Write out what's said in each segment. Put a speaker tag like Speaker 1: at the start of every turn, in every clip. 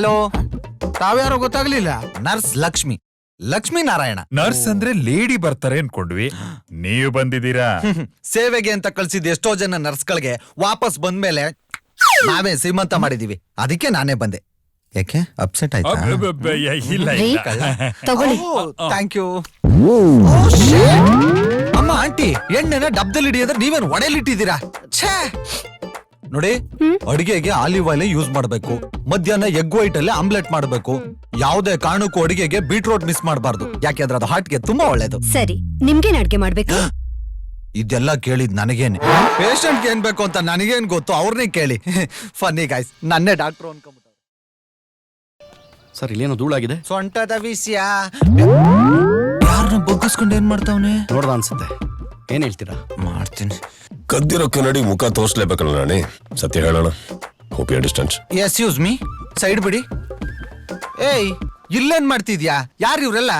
Speaker 1: Hello, ತಾವ್ಯಾರೋ ಗೊತ್ತಾಗ್ಲಿಲ್ಲ? Nurse Lakshmi, Lakshmi Narayana.
Speaker 2: Nurse ಅಂದ್ರೆ ಲೇಡಿ ಬರ್ತಾರೆ ಅನ್ಕೊಂಡ್ವಿ, ನೀವು ಬಂದಿದ್ದೀರಾ.
Speaker 1: ಸೇವೆಗೆ ಅಂತ ಕಳ್ಸಿದ್ ಎಷ್ಟೋ ಜನ ನರ್ಸ್ಗಳಿಗೆ ವಾಪಸ್ ಬಂದ್ಮೇಲೆ ನಾವೇ ಶ್ರೀಮಂತ ಮಾಡಿದೀವಿ. ಅದಕ್ಕೆ ನಾನೇ ಬಂದೆ. ಯಾಕೆ ಅಪ್ಸೆಟ್ ಆಯ್ತಾ?
Speaker 2: ಇಲ್ಲ
Speaker 3: ತಗೊಳ್ಳಿ.
Speaker 1: Thank you. ಅಮ್ಮ, ಆಂಟಿ, ಎಣ್ಣೆನ ಡಬ್ದಲ್ಲಿ ಹಿಡಿಯೋದ್ರೆ ನೀವೇನು ಒಡೆಯಲ್ಲಿಟ್ಟಿದ್ದೀರಾ? ಛೇ ನೋಡಿ, ಅಡಿಗೆಗೆ ಆಲಿವ್ ಆಯಿಲ್ ಯೂಸ್ ಮಾಡಬೇಕು. ಮಧ್ಯಾಹ್ನ ಎಗ್ ವೈಟ್ ಅಲ್ಲಿ ಆಮ್ಲೆಟ್ ಮಾಡಬೇಕು. ಯಾವುದೇ ಕಾರಣಕ್ಕೂ ಅಡಿಗೆಗೆ ಬೀಟ್ರೋಟ್ ಮಿಸ್ ಮಾಡಬಾರ್ದು, ಯಾಕೆಂದ್ರೆ ಅದು ಹಾರ್ಟ್ಗೆ ತುಂಬಾ ಒಳ್ಳೇದು.
Speaker 3: ಸರಿ, ನಿಮ್ಗೇನ್ ಅಡ್ಗೆ ಮಾಡ್ಬೇಕು?
Speaker 1: ಇದೆಲ್ಲ ಕೇಳಿದ್ ನನಗೇನೆ, ಪೇಷಂಟ್ಗೆ ಏನ್ ಬೇಕು ಅಂತ ನನಗೇನ್ ಗೊತ್ತು, ಅವ್ರನ್ನೇ ಕೇಳಿ. ಫನ್ನಿ ಗಾಯ್ಸ್, ನನ್ನೇ ಡಾಕ್ಟರ್ ಅನ್ಕೊಂಡ್ಬಿಟ್ಟು.
Speaker 4: ಸರ್, ಇಲ್ಲೇನೋ ಧೂಳಾಗಿದೆ.
Speaker 1: ಸೊಂಟದ ವಿಷಯ ಯಾರನ್ನ ಬಗ್ಗಿಸ್ಕೊಂಡು ಏನ್ ಮಾಡ್ತಾವನೆ
Speaker 4: ನೋಡ್ದ ಅನ್ಸುತ್ತೆ. ಏನ್ ಹೇಳ್ತೀರಾ?
Speaker 1: ಮಾಡ್ತೀನಿ.
Speaker 5: ಕದ್ದಿರೋ ಕನ್ನಡಿ ಮುಖ ತೋರ್ಸ್ಲೇಬೇಕಲ್ಲ ನಾಣಿ, ಸತ್ಯ ಹೇಳೋಣ. Hope you understand.
Speaker 1: Excuse me, side ಬಿಡಿ. ಏಯ್, ಇಲ್ಲೇನ್ ಮಾಡ್ತಿದ್ಯಾ? ಯಾರು ಇವ್ರೆಲ್ಲ?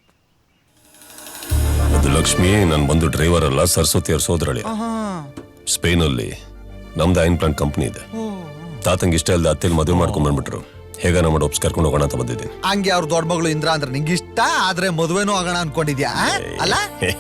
Speaker 5: ಅದು ಲಕ್ಷ್ಮಿ, ನಾನು ಬಂದು ಡ್ರೈವರ್ ಅಲ್ಲ, ಸರಸ್ವತಿ ಅವ್ರ ಸೋದರಳಿ. ಸ್ಪೇನ್ ಅಲ್ಲಿ ನಮ್ದು ಐನ್ ಪ್ಲಾಂಟ್ ಕಂಪ್ನಿ ಇದೆ. ತಾತಂಗೆ ಇಷ್ಟ ಇಲ್ಲದೆ ಅತ್ತೆಲಿ ಮದುವೆ ಮಾಡ್ಕೊಂಡ್ ಬಂದ್ಬಿಟ್ರು. ಹೇಗ ನಮ್ಮ ಒಪ್ಸ್ ಕರ್ಕೊಂಡು ಹೋಗೋಣ ಅಂತ ಬಂದಿದ್ದೀನಿ.
Speaker 1: ಹಂಗೆ ಅವ್ರ ದೊಡ್ಡ ಮಗಳು ಇಂದ್ರ ಅಂದ್ರೆ ನಿಂಗೆ ಇಷ್ಟ, ಆದ್ರೆ ಮದುವೆನೂ ಆಗೋಣ ಅನ್ಕೊಂಡಿದ್ಯಾ ಅಲ್ಲ?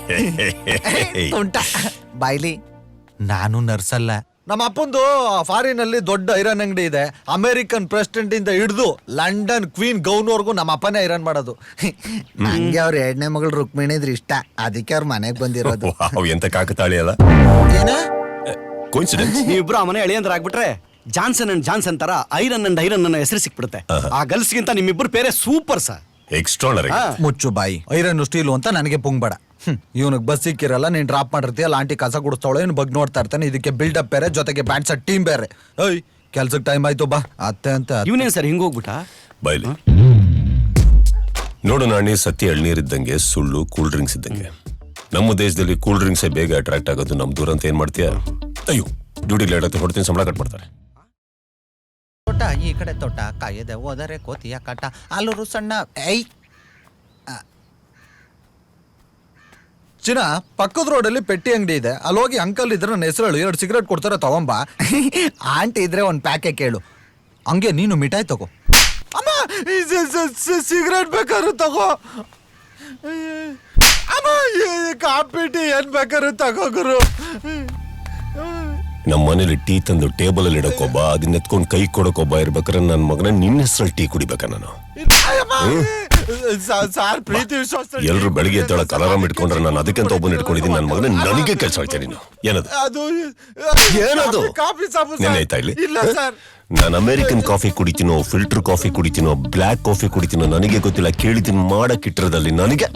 Speaker 1: ಬಾಯ್ಲಿ, ನಾನು ನರ್ಸ್ ಅಲ್ಲ. ನಮ್ಮ ಅಪ್ಪಂದು ಫಾರಿನ್ ಅಲ್ಲಿ ದೊಡ್ಡ ಐರನ್ ಅಂಗಡಿ ಇದೆ. ಅಮೆರಿಕನ್ ಪ್ರೆಸಿಡೆಂಟ್ ಇಂದ ಹಿಡಿದು ಲಂಡನ್ ಕ್ವೀನ್ ಗೌನ್ವರ್ಗೂ ನಮ್ಮ ಅಪ್ಪನೇ ಐರನ್ ಮಾಡೋದು. ಹಂಗೆ ಅವ್ರ ಎರಡನೇ ಮಗಳು ರುಕ್ಮಿಣಿದ್ರೆ ಇಷ್ಟ, ಅದಕ್ಕೆ ಅವ್ರ ಮನೆಗ್ ಬಂದಿರೋದು.
Speaker 5: ಎಂತ ಕಾಕತಾಳಿ ಅಲ್ಲ.
Speaker 1: ಏನ
Speaker 5: ಕೋಇನ್ಸಿಡೆನ್ಸ್?
Speaker 4: ನೀವಿಬ್ರು ಆ ಮನೆ ಎಳೆಯಂದ್ರ ಆಗ್ಬಿಟ್ರೆ ಜಾನ್ಸನ್ ಅಂಡ್ ಜಾನ್ಸನ್ ತರ ಐರನ್ ಅಂಡ್ ಐರನ್ ಅನ್ನೋ ಹೆಸರು ಸಿಕ್ಬಿಡುತ್ತೆ. ಆ ಗಲ್ಸ್ಗಿಂತ ನಿಮ್ಮಿಬ್ರು ಬೇರೆ ಸೂಪರ್ ಸರ್.
Speaker 5: ಎಕ್ಸ್ಟ್ರಾನರಿ.
Speaker 1: ಮುಚ್ಚು ಬಾಯಿ. ಐರನ್ ಸ್ಟೀಲು ಅಂತ ನನಗೆ ಪುಂಗ್ಬೇಡ. ಇವನಿಗೆ ಬಸ್ ಸಿಕ್ಕಿರಲ್ಲ, ನೀನ್ ಡ್ರಾಪ್ ಮಾಡಿರ್ತೀಯಲ್ಲ, ಆಂಟಿ ಕಸ ಗುಡಿಸ್ತಾವಳೆ, ಇವ್ನು ಬಗ್ಗೆ ನೋಡ್ತಾ ಇರ್ತಾನೆ. ಇದಕ್ಕೆ ಬಿಲ್ಡಪ್ ಬೇರೆ, ಜೊತೆಗೆ ಬ್ಯಾಟ್ಸ್ ಟೀಮ್ ಬೇರೆ. ಏಯ್, ಕೆಲ್ಸಕ್ಕೆ ಟೈಮ್ ಆಯ್ತು, ಬಾ. ಅತ್ತೆ ಅಂತ
Speaker 4: ಇವನೇನ್ ಸರ್ ಹಿಂಗೋಗ್ಬಿಟ್ಟ?
Speaker 5: ಬಾಯ್ಲಿ ನೋಡು ನಾಣಿ, ಸತ್ಯ ಎಳ್ನೀರಿದ್ದಂಗೆ, ಸುಳ್ಳು ಕೂಲ್ ಡ್ರಿಂಕ್ಸ್ ಇದ್ದಂಗೆ. ನಮ್ಮ ದೇಶದಲ್ಲಿ ಕೂಲ್ ಡ್ರಿಂಕ್ಸೇ ಬೇಗ ಅಟ್ರಾಕ್ಟ್ ಆಗೋದು. ನಮ್ ದೂರ ಅಂತ ಏನ್ ಮಾಡ್ತೀಯ? ಅಯ್ಯೋ, ಡ್ಯೂಟಿ ಲೇಟ್ ಆಗುತ್ತೆ, ಹೊಡ್ತೀನಿ, ಸಂಬಳ ಕಟ್ ಮಾಡ್ತಾರೆ.
Speaker 1: ತೋಟ ಈ ಕಡೆ ತೋಟ, ಕಾಯದೆ ಹೋದರೆ ಕೋತಿಯ ಕಾಟ, ಆಲೂರು ಸಣ್ಣ. ಐ ಚಿನ್ನ, ಪಕ್ಕದ ರೋಡಲ್ಲಿ ಪೆಟ್ಟಿ ಅಂಗಡಿ ಇದೆ, ಅಲ್ಲಿ ಹೋಗಿ ಅಂಕಲ್ ಇದ್ರೆ ನನ್ನ ಹೆಸರು ಹೇಳು, 2 ಸಿಗರೇಟ್ ಕೊಡ್ತಾರೆ, ತಗೊಂಬಾ. ಆಂಟಿ ಇದ್ರೆ ಒಂದು ಪ್ಯಾಕೆ ಕೇಳು. ಹಂಗೆ ನೀನು ಮಿಠಾಯಿ ತಗೋ. ಅಮ್ಮ, ಸಿಗರೇಟ್ ಬೇಕಾದ್ರು ತಗೋ. ಅಮ್ಮ, ಕಾಪಿ ಟೀ ಏನ್ ಬೇಕಾದ್ರು ತಗೋ ಗುರು.
Speaker 5: ನಮ್ಮ ಮನೇಲಿ ಟೀ ತಂದು ಟೇಬಲ್ ಅಲ್ಲಿ ಇಡಕ್ಕೊಬ್ಬ, ಅದನ್ನ ಎತ್ಕೊಂಡು ಕೈ ಕೊಡಕ್ಕೊಬ್ಬ ಇರ್ಬೇಕಾರೆ ನನ್ನ ಮಗನ ನಿನ್ನ ಹೆಸರಲ್ಲಿ ಟೀ ಕುಡಿಬೇಕಾ ನಾನು? ಎಲ್ರು ಬೆಳಿಗ್ಗೆ ಎದ್ದೊಳಕ್ ಅಲಾರಾಮ್ ಇಟ್ಕೊಂಡ್ರೆ ನಾನು ಅದಕ್ಕೆಂತ ಒಬ್ಬನ ಇಟ್ಕೊಂಡಿದ್ದೀನಿ. ನನ್ನ ಮಗನ ನನಗೆ ಕೆಲಸ ಹೇಳ್ತೀನಿ ನೀನು. ಏನದು ಏನದು? ನೆನೆ ಆಯ್ತಾ ಇಲ್ಲಿ? ನಾನು ಅಮೆರಿಕನ್ ಕಾಫಿ ಕುಡಿತೀನೋ, ಫಿಲ್ಟರ್ ಕಾಫಿ ಕುಡಿತೀನೋ, ಬ್ಲ್ಯಾಕ್ ಕಾಫಿ ಕುಡಿತೀನೋ ನನಗೆ ಗೊತ್ತಿಲ್ಲ. ಕೇಳಿದ್ದೀನಿ ಮಾಡಕ್ಕಿಟ್ಟಿರೋದಲ್ಲಿ ನನಗೆ.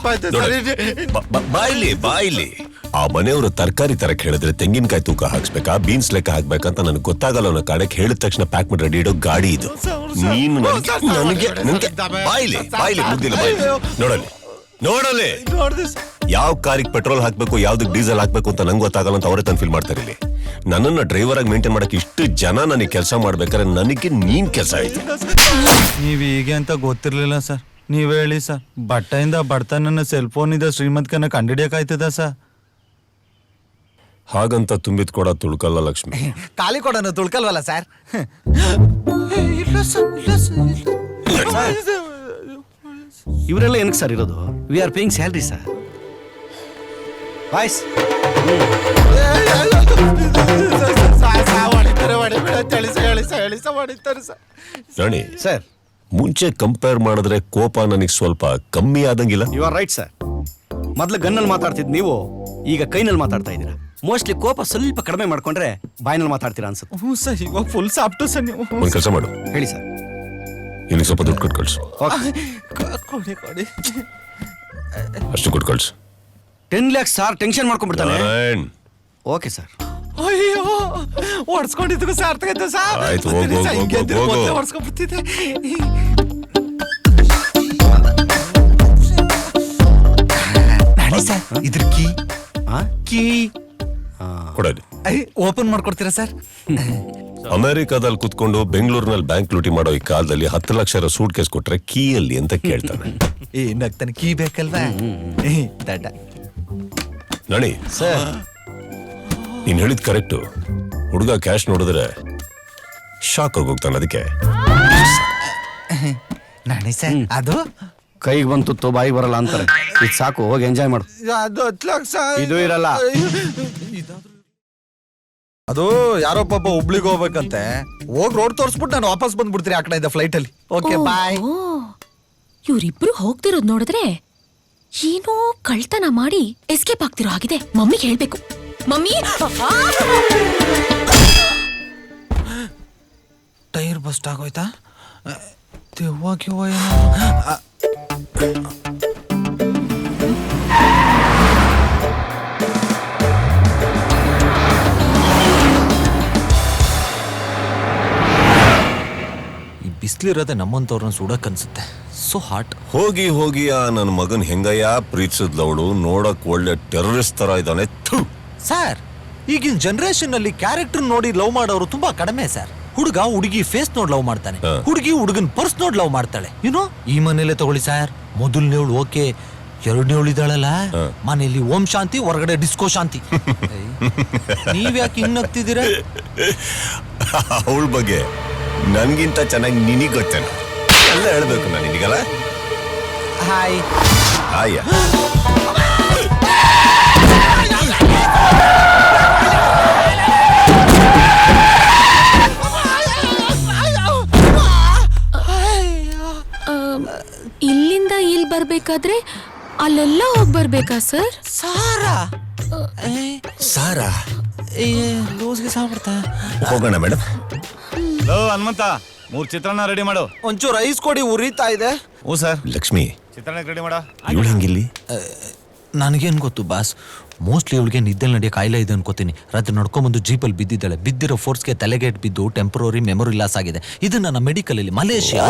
Speaker 5: ಬಾಯಿಲಿ ಆ ಮನೆಯವರು ತರಕಾರಿ ತರಕ್ ಹೇಳಿದ್ರೆ ತೆಂಗಿನಕಾಯಿ ತೂಕ ಹಾಕ್ಸ್ಬೇಕಾ, ಬೀನ್ಸ್ ಲೆಕ್ಕ ಹಾಕ್ಬೇಕಂತ ನನಗೆ ಗೊತ್ತಾಗಲ್ಲ. ಅವನ ಕಾಡಕ್ಕೆ ಹೇಳಿದ ತಕ್ಷಣ ಪ್ಯಾಕ್ ಮಾಡಿ ರೆಡಿ ಇಡೋ ಗಾಡಿ ಇದು. ನೀನು ನನಗೆ ಬಾಯಿಲಿ ಮುದ್ದಿಲ್ಲ. ನೋಡಲಿ ಯಾವ ಕಾರಿಗೆ ಪೆಟ್ರೋಲ್ ಹಾಕ್ಬೇಕು, ಯಾವ್ದಕ್ ಡೀಸೆಲ್ ಹಾಕ್ಬೇಕು ಅಂತ ನಂಗೆ ಗೊತ್ತಾಗಲ್ಲ ಅಂತ ಅವರೇ ತಂದು ಫೀಲ್ ಮಾಡ್ತಾರೆ. ಇಲ್ಲಿ ನನ್ನನ್ನ ಡ್ರೈವರ್ ಆಗಿ ಮೇಂಟೈನ್ ಮಾಡಕ್ಕೆ ಇಷ್ಟು ಜನ ನನಗೆ ಕೆಲಸ ಮಾಡ್ಬೇಕಾದ್ರೆ ನನಗೆ ನೀನ್ ಕೆಲಸ ಆಯ್ತು.
Speaker 1: ನೀವ್ ಹೀಗೆ ಅಂತ ಗೊತ್ತಿರ್ಲಿಲ್ಲ ಸರ್. ನೀವ್ ಹೇಳಿ ಸರ್, ಬಟ್ಟೆಯಿಂದ ಬಡತನ ಸೆಲ್ ಫೋನ್ ಇಂದ ಶ್ರೀಮಂತಕನ ಕಂಡಿಡಿಯಕಾಯ್ತದ ಸರ್?
Speaker 5: ಹಾಗಂತ ತುಂಬಿದ್ ಕೊಡ ತುಳ್ಕಲ್ಲ ಲಕ್ಷ್ಮಿ.
Speaker 1: ಖಾಲಿ ಕೊಡನು ತುಳ್ಕಲ್ವಲ್ಲ ಸರ್?
Speaker 4: ಇವರೆಲ್ಲ ಏನಕ್ಕೆ ಸರ್ ಇರೋದು? We are paying salary sir. Boys,
Speaker 5: Rani
Speaker 4: sir,
Speaker 5: ಮುಂಚೆ ಕಂಪೇರ್ ಮಾಡಿದ್ರೆ ಕೋಪ ನನಗೆ ಸ್ವಲ್ಪ ಕಮ್ಮಿ ಆದಂಗಿಲ್ಲ.
Speaker 4: You are right sir. ಮೊದ್ಲು ಗನ್ನಲ್ಲಿ ಮಾತಾಡ್ತಿದ್ ನೀವು ಈಗ ಕೈನಲ್ಲಿ ಮಾತಾಡ್ತಾ ಇದ್ದೀರಾ. ಮೋಸ್ಟ್ಲಿ ಕೋಪ ಸ್ವಲ್ಪ ಕಡಿಮೆ ಮಾಡ್ಕೊಂಡ್ರೆ ಬಾಯ್ನಲ್ಲಿ ಮಾತಾಡ್ತೀರಾ ಅನ್ಸುತ್ತೆ.
Speaker 1: ಹ್ಞೂ ಸರ್, ಇವಾಗ ಫುಲ್ ಸಾಫ್ಟು ಸರ್ ನೀವು.
Speaker 5: ಒಂದ್ ಕೆಲಸ ಮಾಡು,
Speaker 4: ಹೇಳಿ ಸರ್.
Speaker 5: ಇಲ್ಲಿ ಸ್ವಲ್ಪ ದುಡ್ಡು ಕೊಟ್ಟು ಕಳ್ಸು.
Speaker 1: ಕೊಡಿ.
Speaker 5: ಅಷ್ಟು ಕೊಟ್ಟು ಕಳ್ಸು.
Speaker 4: 10 lakhs ಸರ್. ಟೆನ್ಷನ್ ಮಾಡ್ಕೊಂಡ್ಬಿಡ್ತಾನೆ.
Speaker 5: Narayan,
Speaker 4: okay sir.
Speaker 1: ಅಯ್ಯೋ, ಓಡಿಸ್ಕೊಂಡಿದ್ದಕ್ಕೂ ಸಾರ್ಥಕ ಆಯ್ತು ಸರ್.
Speaker 5: ಆಯ್ತು, ಹೋಗು.
Speaker 1: ಓಡಿಸ್ಕೊಂಡ್ಬಿಡ್ತಿದ್ದೆ. ಸರ್, ಇದ್ರ ಕೀ
Speaker 5: ಕೊಡಲಿ.
Speaker 1: ಓಪನ್ ಮಾಡ್ಕೊಡ್ತೀರಾ ಸರ್?
Speaker 5: ಅಮೆರಿಕಾದಲ್ಲಿ ಕುತ್ಕೊಂಡು ಬೆಂಗಳೂರಿನಲ್ಲಿ ಬ್ಯಾಂಕ್ ಲೂಟಿ ಮಾಡೋ ಈ ಕಾಲದಲ್ಲಿ 10 ಲಕ್ಷ ಸೂಟ್ ಕೇಸ್ ಕೊಟ್ರೆ ಕೀಯಲ್ಲಿ ಅಂತ ಕೇಳ್ತಾನೆ.
Speaker 1: ಏನಾಗ್ತಾನೆ, ಕೀ ಬೇಕಲ್ವಾ? ದಡ್ಡ
Speaker 5: ನಣಿ
Speaker 4: ಸರ್,
Speaker 5: ನೀನ್ ಹೇಳಿದ್ ಕರೆಕ್ಟು. ಹುಡುಗ ಕ್ಯಾಶ್ ನೋಡಿದ್ರೆ ಶಾಕ್ ಆಗೋಗ್ತಾನೆ. ಅದಕ್ಕೆ
Speaker 1: ಬನ್ನಿ ಸರ್ ಅದು
Speaker 4: ಕೈಗೆ ಬಂತು ಬಾಯಿಗೆ ಬರಲ್ಲ ಅಂತಾರೆ. ಇದು ಸಾಕು, ಹೋಗಿ ಎಂಜಾಯ್ ಮಾಡು.
Speaker 1: ಅದು 10 ಲಕ್ಷ
Speaker 4: ಇದು ಇರಲ್ಲ.
Speaker 1: ಅದು ಯಾರೋ ಪಾಪ ಹುಬ್ಳಿಗೆ ಹೋಗ್ಬೇಕಂತೆ, ಹೋಗಿ ರೋಡ್ ತೋರಿಸ್ಬಿಟ್ಟು ನಾನು ವಾಪಸ್ ಬಂದ್ಬಿಡ್ತೀನಿ ಆ ಕಡೆ ಫ್ಲೈಟ್ ಅಲ್ಲಿ. Okay bye.
Speaker 6: ಇವ್ರಿಬ್ರು ಹೋಗ್ತಿರೋದ್ ನೋಡಿದ್ರೆ ಏನೋ ಕಳ್ತನ ಮಾಡಿ ಎಸ್ಕೇಪ್ ಆಗ್ತಿರೋ ಆಗಿದೆ. ಮಮ್ಮಿಗೆ ಹೇಳ್ಬೇಕು. ಮಮ್ಮಿ,
Speaker 1: ಟೈರ್ ಬಸ್ಟ್ ಆಗೋಯ್ತಾ? ದೆವ್ವಾಗಿ ಈ ಬಿಸಿಲಿರೋದೆ ನಮ್ಮಂತವ್ರನ್ನ ಸುಡಕ್ ಅನ್ಸುತ್ತೆ. So hot.
Speaker 5: ಹೋಗಿ ಹೋಗಿ ಆ ನನ್ನ ಮಗನ್ ಹೆಂಗಯ್ಯ ಪ್ರೀತಿಸಿದ್ಲವಳು, ನೋಡಕ್ ಒಳ್ಳೆ ಟೆರರಿಸ್ಟ್ ತರ ಇದ್ದಾನೆ.
Speaker 1: ಸರ್, ಈಗಿನ ಜನರೇಷನ್ ಅಲ್ಲಿ ಕ್ಯಾರೆಕ್ಟರ್ ನೋಡಿ ಲವ್ ಮಾಡೋರು ತುಂಬಾ ಕಡಿಮೆ ಸರ್. ಹುಡುಗ ಹುಡುಗಿ ಫೇಸ್ ನೋಡ್ ಲವ್ ಮಾಡ್ತಾನೆ, ಹುಡುಗಿ ಹುಡುಗನ್ ಪರ್ಸ್ ನೋಡ್ ಲವ್ ಮಾಡ್ತಾಳೆ. ಯುನೋ, ಈ ಮನೇಲೆ ತಗೊಳ್ಳಿ ಸರ್, ಮೊದಲನೇವಳು ಓಕೆ, ಎರಡನೇವಳು ಇದ್ದಾಳಲ್ಲ ಮನೆಯಲ್ಲಿ ಓಂ ಶಾಂತಿ, ಹೊರಗಡೆ ಡಿಸ್ಕೋ ಶಾಂತಿ. ನೀವ್ಯಾಕೆ ಹಿಂಗ್ ನಗ್ತಿದ್ದೀರಾ?
Speaker 5: ಅವಳ ಬಗ್ಗೆ ನನ್ಗಿಂತ ಚೆನ್ನಾಗಿ ನಿನಗ್ ಗೊತ್ತೇನ ಎಲ್ಲ ಹೇಳ್ಬೇಕು ನಾನು ನಿನಗಲ್ಲ.
Speaker 1: ಹಾಯ್.
Speaker 5: ಆಯ್ಯ
Speaker 6: ಇಲ್ಲಿಂದ ಇಲ್ಲಿ ಬರ್ಬೇಕಾದ್ರೆ ಅಲ್ಲೆಲ್ಲ ಹೋಗ್ ಬರ್ಬೇಕಾ ಸರ್?
Speaker 1: ಸಾರಾ
Speaker 5: ಸಾರಾ
Speaker 1: ಲೂಸ್ಗೆ ಸಾಬಿಡ್ತಾ.
Speaker 5: ಹೋಗೋಣ ಮೇಡಮ್.
Speaker 7: ಹನುಮಂತ, 3 ಚಿತ್ರಾನ್ನ ರೆಡಿ ಮಾಡು.
Speaker 1: ಒಂಚೂರು ಐಸ್ ಕೊಡಿ, ಉರಿತಾ ಇದೆ.
Speaker 7: ಹ್ಞೂ ಸರ್.
Speaker 5: ಲಕ್ಷ್ಮಿ,
Speaker 7: ಚಿತ್ರಾನ್ನಕ್ಕೆ ರೆಡಿ ಮಾಡ.
Speaker 5: ಇವಳು ಹೆಂಗಿಲ್ಲಿ?
Speaker 1: ನನಗೇನ್ ಗೊತ್ತು ಬಾಸ್, ಮೋಸ್ಟ್ಲಿ ಇವಳಿಗೆ ನಿದ್ದೆ ನಡೆಯೋ ಕಾಯಿಲೆ ಇದೆ ಅನ್ಕೋತೀನಿ. ರಾತ್ರಿ ನಡ್ಕೊಂಬಂದು ಜೀಪಲ್ಲಿ ಬಿದ್ದಿದ್ದಾಳೆ. ಬಿದ್ದಿರೋ ಫೋರ್ಸ್ಗೆ ತಲೆಗೇಟ್ ಬಿದ್ದು ಟೆಂಪರರಿ ಮೆಮೊರಿ ಲಾಸ್ ಆಗಿದೆ. ಇದು ನನ್ನ ಮೆಡಿಕಲ್ ಅಲ್ಲಿ ಮಲೇಷಿಯಾ.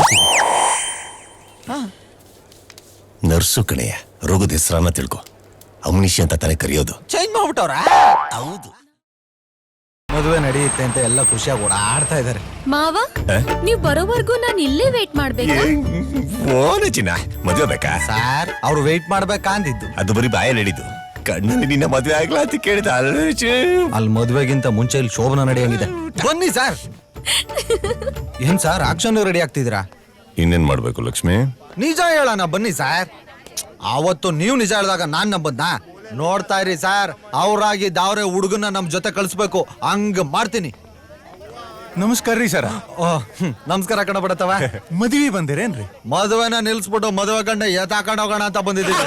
Speaker 5: ನರ್ಸು ಕಣೆಯ, ರೋಗದ ಹೆಸರನ್ನ ತಿಳ್ಕೊ. ಅಮ್ನಿಷಿ ಅಂತ ತಾನೇ ಕರೆಯೋದು.
Speaker 1: ಚೇಂಜ್ ಮಾಡ್ಬಿಟ್ಟವ್ರ.
Speaker 5: ಹೌದು.
Speaker 1: ಮದುವೆ ನಡೆಯುತ್ತೆ ಅಂತ ಎಲ್ಲ ಖುಷಿಯಾಗಿ ಓಡಾಡ್ತಾ ಇದಾರೆ.
Speaker 6: ಮಾವ, ನೀವ್ ಬರೋವರೆಗೂ ನಾನು ಇಲ್ಲೇ ವೇಟ್ ಮಾಡ್ಬೇಕಾ?
Speaker 5: ಓನ ಚಿನ್ನ, ಮದುವೆ ಬೇಕಾ?
Speaker 1: ಸಾರ್, ಅವ್ರು ವೆಯ್ಟ್ ಮಾಡ್ಬೇಕಾ ಅಂದಿದ್ದು.
Speaker 5: ಅದು ಬರೀ ಬಾಯಲ್ಲಿ ಹೇಳಿದ್ದು. ಕಣ್ಣಲ್ಲಿ ನಿನ್ನ ಮದುವೆ ಆಗ್ಲಾ ಅಂತ ಕೇಳಿದ.
Speaker 1: ಅಲ್ಲಿ ಮದುವೆಗಿಂತ ಮುಂಚೆ ಇಲ್ಲಿ ಶೋಭನ ನಡೆಯಂಗಿದೆ. ಬನ್ನಿ ಸರ್. ಏನ್ ಸರ್, ಆಕ್ಷನ್ ರೆಡಿ ಆಗ್ತಿದ್ದೀರಾ?
Speaker 5: ಇನ್ನೇನ್ ಮಾಡ್ಬೇಕು ಲಕ್ಷ್ಮಿ?
Speaker 1: ನಿಜ ಹೇಳೋಣ ಬನ್ನಿ ಸರ್. ಅವತ್ತು ನೀವು ನಿಜ ಹೇಳಿದಾಗ ನಾನ್ ನಂಬದ್ನ. ನೋಡ್ತಾ ಇರಿ ಸರ್, ಅವ್ರಾಗಿ ದಾವ್ರೆ ಹುಡುಗನ ನಮ್ ಜೊತೆ ಕಳಿಸ್ಬೇಕು, ಹಂಗ ಮಾಡ್ತೀನಿ.
Speaker 7: ನಮಸ್ಕಾರ ರೀ ಸರ.
Speaker 1: ನಮಸ್ಕಾರ ಕಣ ಬಿಡತ್ತವ.
Speaker 7: ಮದುವೆ ಬಂದಿರೇನ್ರಿ?
Speaker 1: ಮದುವೆನ ನಿಲ್ಸ್ಬಿಟ್ಟು ಮದುವೆ ಗಂಡ ಎತ್ತಾಕೊಂಡು ಹೋಗೋಣ ಅಂತ ಬಂದಿದ್ದೀವಿ.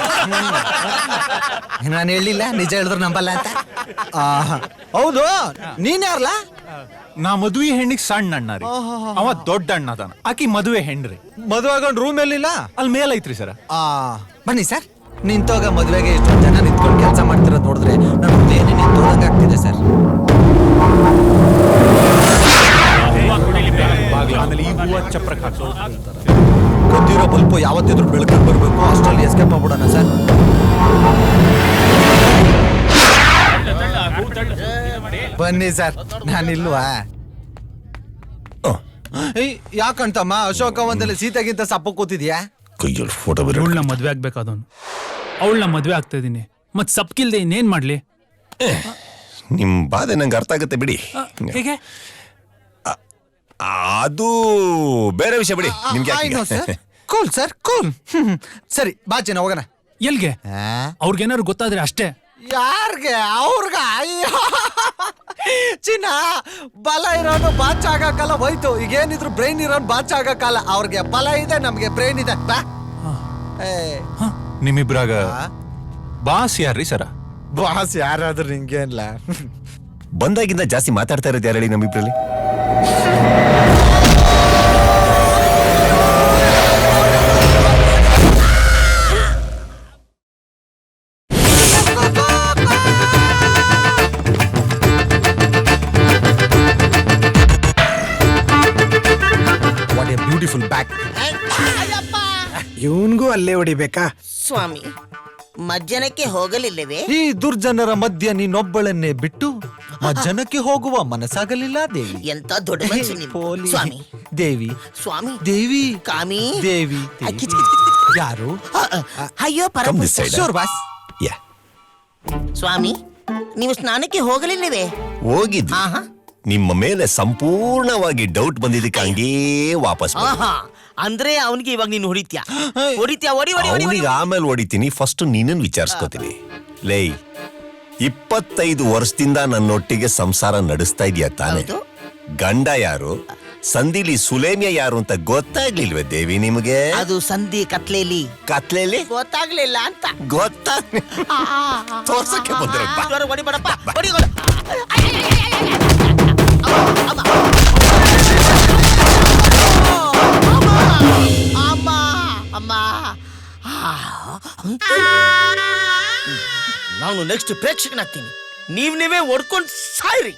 Speaker 1: ನಾನು ಹೇಳಿಲ್ಲ ನಿಜ ಹೇಳಿದ್ರು ನಂಬಲ್ಲ ಅಂತ. ಹೌದು, ನೀನ್ ಯಾರ್ಲ?
Speaker 7: ನಾ ಮದುವೆ ಹೆಣ್ಣಿಗೆ ಸಣ್ಣ ಅಣ್ಣ ರೀ, ಅವ ದೊಡ್ಡ ಅಣ್ಣ ಅದಾನ. ಆಕಿ ಮದುವೆ ಹೆಣ್ರಿ.
Speaker 1: ಮದುವೆ ಗಂಡ ರೂಮ್ ಎಲ್ಲಿಲ್ಲ,
Speaker 7: ಅಲ್ಲಿ ಮೇಲ್ ಐತ್ರಿ ಸರ.
Speaker 1: ಬನ್ನಿ ಸರ್. ನಿಂತೋಗ ಮದುವೆಗೆ ಇಷ್ಟೊಂದು ಜನ ನಿಂತ್ಕೊಂಡು ಕೆಲಸ ಮಾಡ್ತಿರೋದು ನೋಡಿದ್ರೆ ನನ್ನ ಹೃದಯನೇ ನಿಂತೋದಂಗ ಆಗ್ತಿದೆ ಸರ್.
Speaker 7: ಆಮೇಲೆ ಈ ಹೂವ ಚಪ್ರಕಾಶ
Speaker 1: ಗೊತ್ತಿರೋ ಬಲ್ಪು ಯಾವತ್ತಿದ್ರು ಬೆಳಕಲ್ಲಿ ಬರ್ಬೇಕು. ಅಷ್ಟರಲ್ಲಿ ಎಸ್ಕೇಪ್ ಆಗ್ಬಿಡೋಣ ಸರ್. ಬನ್ನಿ ಸರ್, ನಾನಿಲ್ವಾ? ಯಾಕಂತಮ್ಮ ಅಶೋಕ ಒಂದಲ್ಲಿ ಸೀತೆಗಿಂತ ಸಪ್ಪ ಕೂತಿದ್ಯಾ?
Speaker 5: ಕೈಯಲ್ಲಿ ಫೋಟೋ ಬರ.
Speaker 8: ಅವಳನ್ನ ಮದ್ವೆ ಆಗ್ಬೇಕಾದವನು, ಅವಳನ್ನ ಮದ್ವೆ ಆಗ್ತಾ ಇದೀನಿ. ಮತ್ ಸಪ್ಕಿಲ್ದೆ ಇನ್ನೇನ್ ಮಾಡ್ಲಿ?
Speaker 5: ನಿಮ್ ಬಾಧೆ ನಂಗೆ ಅರ್ಥ ಆಗತ್ತೆ ಬಿಡಿ.
Speaker 8: ಹೇಗೆ?
Speaker 5: ಅದು ಬೇರೆ ವಿಷಯ ಬಿಡಿ. ನಿಮ್ಗೆ
Speaker 1: ಕೂಲ್ ಸರ್, ಕೂಲ್. ಸರಿ ಬಾ ಚಿನ್ನ ಹೋಗೋಣ.
Speaker 8: ಎಲ್ಗೆ? ಅವ್ರಿಗೇನಾದ್ರು ಗೊತ್ತಾದ್ರೆ ಅಷ್ಟೇ.
Speaker 1: ಯಾರ್ಗೆ? ಅವ್ರಗ? ಚಿನ್ನ, ಬಲ ಇರೋನು ಬಾಚ್ ಆಗಕ್ಕಲ್ಲ, ಹೋಯ್ತು. ಈಗೇನಿದ್ರು ಬ್ರೈನ್ ಇರೋನು ಬಾಚ್ ಆಗಕ್ಕಲ್ಲ. ಅವ್ರಿಗೆ ಬಲ ಇದೆ, ನಮ್ಗೆ ಬ್ರೈನ್ ಇದೆ. ಬಾ.
Speaker 7: ನಿಮ್ಮಿಬ್ರಾಗ ಬಾಸ್ ಯಾರ್ರಿ ಸರ?
Speaker 1: ಬಾಸ್ ಯಾರಾದ್ರೂ ನಿಂಗೇನ್ಲ?
Speaker 5: ಬಂದಾಗಿಂದ ಜಾಸ್ತಿ ಮಾತಾಡ್ತಾ ಇರೋದು ಯಾರು ಹೇಳಿ ನಮ್ಮಿಬ್ರಲ್ಲಿ?
Speaker 1: What a beautiful back.
Speaker 9: ಇವನ್ಗೂ ಅಲ್ಲೇ ಹೊಡಿಬೇಕಾ?
Speaker 10: ಸ್ವಾಮಿ, ಮಜ್ಜನಕ್ಕೆ ಹೋಗಲಿಲ್ಲವೇ?
Speaker 1: ಈ ದುರ್ಜನರ ಮಧ್ಯ ನೀನೊಬ್ಬಳನ್ನೇ ಬಿಟ್ಟು ಮಜ್ಜನಕ್ಕೆ ಹೋಗುವ ಮನಸ್ಸಾಗಲಿಲ್ಲ ದೇವಿ.
Speaker 10: ಎಂತ ದೊಡ್ಡ ಮನುಷ್ಯ ನೀವು.
Speaker 1: ಪೋಲಿ.
Speaker 10: ಸ್ವಾಮಿ,
Speaker 1: ದೇವಿ,
Speaker 10: ಸ್ವಾಮಿ,
Speaker 1: ದೇವಿ,
Speaker 10: ಕಾಮಿ,
Speaker 1: ದೇವಿ,
Speaker 10: ಕಿಚ್ ಕಿಚ್ ಕಿಚ್ ಕಿಚ್.
Speaker 1: ಯಾರು?
Speaker 10: ಅಯ್ಯೋ
Speaker 5: Come this
Speaker 10: Parama.
Speaker 5: side.
Speaker 1: Sure boss.
Speaker 5: Yeah,
Speaker 10: ಸ್ವಾಮಿ, ನೀವು ಸ್ನಾನಕ್ಕೆ ಹೋಗಲಿಲ್ಲವೇ?
Speaker 5: ಹೋಗಿದ್ವಿ.
Speaker 10: ಆಹಾ.
Speaker 5: ನಿಮ್ಮ ಮೇಲೆ ಸಂಪೂರ್ಣವಾಗಿ ಡೌಟ್ ಬಂದಿದ್ದಕ್ಕೆ ಹಂಗೇ ವಾಪಸ್ ಬಂದೆ.
Speaker 10: ಆಹಾ, ಅಂದ್ರೆ ಅವನಿಗೆ ಇವಾಗ ನೀನು ಹೊಡಿತ್ಯಾ ಹೊಡಿ ಹೊಡಿ ಹೊಡಿ
Speaker 5: ಅವನಿಗೆ ಆಮೇಲೆ ಹೊಡಿತೀನಿ, ಫಸ್ಟ್ ನೀನನ್ ವಿಚಾರಿಸ್ಕೋತೀನಿ. ಲೇ, 25 ವರ್ಷದಿಂದ ನನ್ನೊಟ್ಟಿಗೆ ಸಂಸಾರ ನಡೆಸ್ತಾ ಇದೀಯ ತಾನೆ?
Speaker 10: ಹೌದು.
Speaker 5: ಗಂಡ ಯಾರು, ಸಂಧಿಲಿ ಸುಲೇಮ್ಯ ಯಾರು ಅಂತ ಗೊತ್ತಾಗ್ಲಿಲ್ವೇ ದೇವಿ ನಿಮಗೆ?
Speaker 10: ಅದು ಸಂಧಿ ಕತ್ಲೇಲಿ
Speaker 5: ಕತ್ಲೇಲಿ
Speaker 10: ಗೊತ್ತಾಗ್ಲಿಲ್ಲ ಅಂತ
Speaker 5: ಗೊತ್ತಾ? ತೋರ್ಸಕ್ಕೆ ಬಂದ್ರಪ್ಪ.
Speaker 10: ಜೋರ ಹೊಡಿಬೇಡಪ್ಪ ಹೊಡಿ ಹೊಡಿ. ಅಮ್ಮ ಅಮ್ಮ ನಾನು ನೆಕ್ಸ್ಟ್ ಪ್ರೇಕ್ಷಕನಾಗ್ತೀನಿ, ನೀವೇ ಹೊಡ್ಕೊಂಡು ಸಾಯ್ರಿ.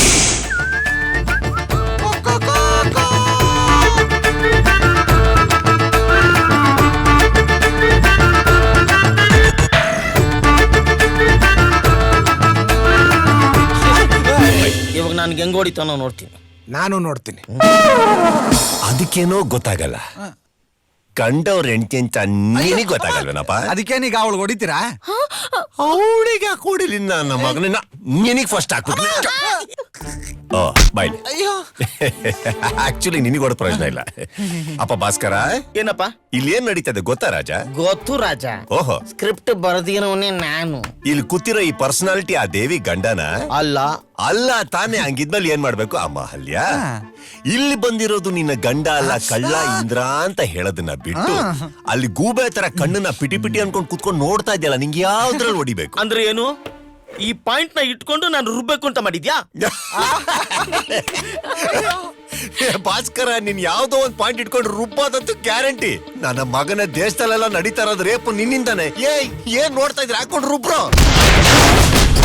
Speaker 10: ಇವಾಗ ನನ್ಗೆ ಹೆಂಗ್ ಹೊಡಿತಾನೋ ನೋಡ್ತೀನಿ.
Speaker 9: ನಾನು ನೋಡ್ತೀನಿ.
Speaker 5: ಅದಕ್ಕೇನೋ ಗೊತ್ತಾಗಲ್ಲ. ಕಂಡವ್ರ ಹೆಂಡತಿ ಅಂತ ನಿನಗೆ ಗೊತ್ತಾಗಲ್ವೇನಪ್ಪ?
Speaker 1: ಅದಕ್ಕೇನೀಗ ಅವಳು ಹೊಡಿತೀರಾ?
Speaker 5: ಅವಳಿಗೆ ಕೊಡಿಲಿ ನನ್ನ ಮಗನ, ನಿನಗೆ ಫಸ್ಟ್ ಹಾಕ್ಬಿಟ್ಟು ಬಾಯ್ಲಿ. ಆಕ್ಚುಲಿ ನಿನಗೆ ಹೊಡೆದ ಪ್ರಯೋಜನ ಇಲ್ಲ. ಅಪ್ಪ ಭಾಸ್ಕರ,
Speaker 10: ಏನಪ್ಪ
Speaker 5: ಇಲ್ಲಿ ಏನ್ ನಡೀತದೆ ಗೊತ್ತಾ ರಾಜ?
Speaker 10: ಗೊತ್ತು ರಾಜ.
Speaker 5: ಓಹೋ,
Speaker 10: ಸ್ಕ್ರಿಪ್ಟ್ ಬರ್ದಿರೋನೇ ನಾನು.
Speaker 5: ಇಲ್ಲಿ ಕೂತಿರೋ ಈ ಪರ್ಸನಾಲಿಟಿ ಆ ದೇವಿ ಗಂಡನ
Speaker 10: ಅಲ್ಲ
Speaker 5: ಅಲ್ಲ ತಾನೇ? ಹಂಗಿದ್ಮೇಲೆ ಏನ್ ಮಾಡ್ಬೇಕು ಅಮ್ಮ ಅಹಲ್ಯ? ಇಲ್ಲಿ ಬಂದಿರೋದು ನಿನ್ನ ಗಂಡ ಅಲ್ಲ, ಕಳ್ಳ ಇಂದ್ರ ಅಂತ ಹೇಳೋದನ್ನ ಬಿಟ್ಟು ಅಲ್ಲಿ ಗೂಬೆ ತರ ಕಣ್ಣನ್ನ ಪಿಟಿ ಪಿಟಿ ಅನ್ಕೊಂಡ್ ಕುತ್ಕೊಂಡು ನೋಡ್ತಾ ಇದೆಯಲ್ಲ, ನಿಂಗೆ ಯಾವ್ದ್ರಲ್ಲಿ ಹೊಡಿಬೇಕು?
Speaker 10: ಅಂದ್ರೆ ಏನು? ಈ ಪಾಯಿಂಟ್ ನ ಇಟ್ಕೊಂಡು ನಾನು ರುಬ್ಬೇಕು ಅಂತ ಮಾಡಿದ್ಯಾ?
Speaker 5: ಭಾಸ್ಕರ, ನೀನ್ ಯಾವ್ದೋ ಒಂದ್ ಪಾಯಿಂಟ್ ಇಟ್ಕೊಂಡು ರುಬ್ಬೋದಂತೂ ಗ್ಯಾರಂಟಿ. ನನ್ನ ಮಗನ ದೇಶದಲ್ಲೆಲ್ಲ ನಡೀತಾ ಇರೋದು ರೇಪು ನಿನ್ನಿಂದಾನೆ. ಏನ್ ನೋಡ್ತಾ ಇದ್ರೆ ಹಾಕೊಂಡು ರುಬ್ರೋ.